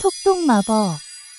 톡톡 마법.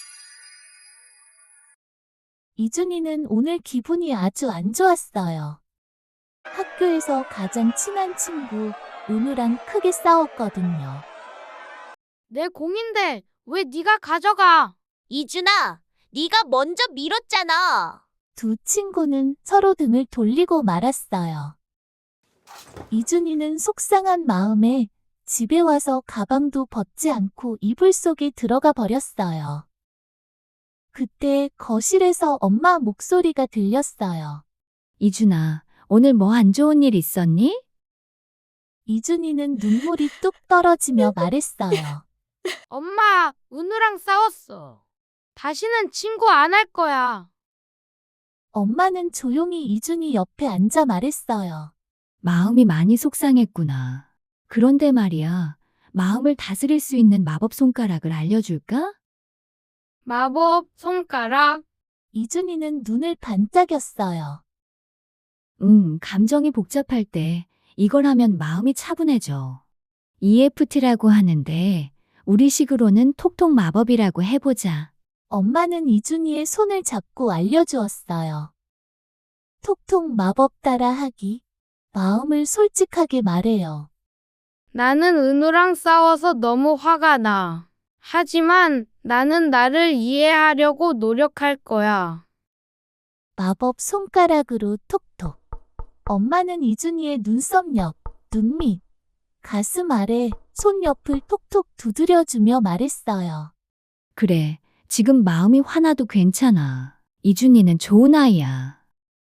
이준이는 오늘 기분이 아주 안 좋았어요. 학교에서 가장 친한 친구 은우랑 크게 싸웠거든요. 내 공인데 왜 네가 가져가? 이준아, 네가 먼저 밀었잖아. 두 친구는 서로 등을 돌리고 말았어요. 이준이는 속상한 마음에 집에 와서 가방도 벗지 않고 이불 속에 들어가 버렸어요. 그때 거실에서 엄마 목소리가 들렸어요. 이준아, 오늘 뭐 안 좋은 일 있었니? 이준이는 눈물이 뚝 떨어지며 말했어요. 엄마, 은우랑 싸웠어. 다시는 친구 안 할 거야. 엄마는 조용히 이준이 옆에 앉아 말했어요. 마음이 많이 속상했구나. 그런데 말이야, 마음을 다스릴 수 있는 마법 손가락을 알려줄까? 마법 손가락. 이준이는 눈을 반짝였어요. 감정이 복잡할 때 이걸 하면 마음이 차분해져. EFT라고 하는데 우리식으로는 톡톡 마법이라고 해보자. 엄마는 이준이의 손을 잡고 알려주었어요. 톡톡 마법 따라하기. 마음을 솔직하게 말해요. 나는 은우랑 싸워서 너무 화가 나. 하지만 나는 나를 이해하려고 노력할 거야. 마법 손가락으로 톡톡. 엄마는 이준이의 눈썹 옆, 눈 밑, 가슴 아래, 손 옆을 톡톡 두드려주며 말했어요. 그래, 지금 마음이 화나도 괜찮아. 이준이는 좋은 아이야.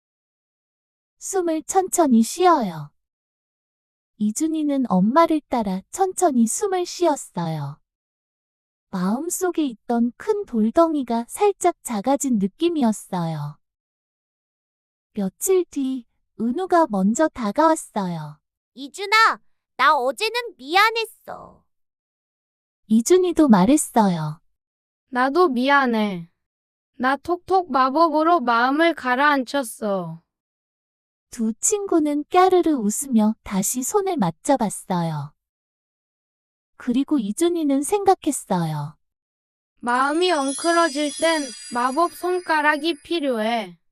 숨을 천천히 쉬어요. 이준이는 엄마를 따라 천천히 숨을 쉬었어요. 마음속에 있던 큰 돌덩이가 살짝 작아진 느낌이었어요. 며칠 뒤 은우가 먼저 다가왔어요. 이준아, 나 어제는 미안했어. 이준이도 말했어요. 나도 미안해. 나 톡톡 마법으로 마음을 가라앉혔어. 두 친구는 까르르 웃으며 다시 손을 맞잡았어요. 그리고 이준이는 생각했어요. 마음이 엉클어질 땐 마법 손가락이 필요해.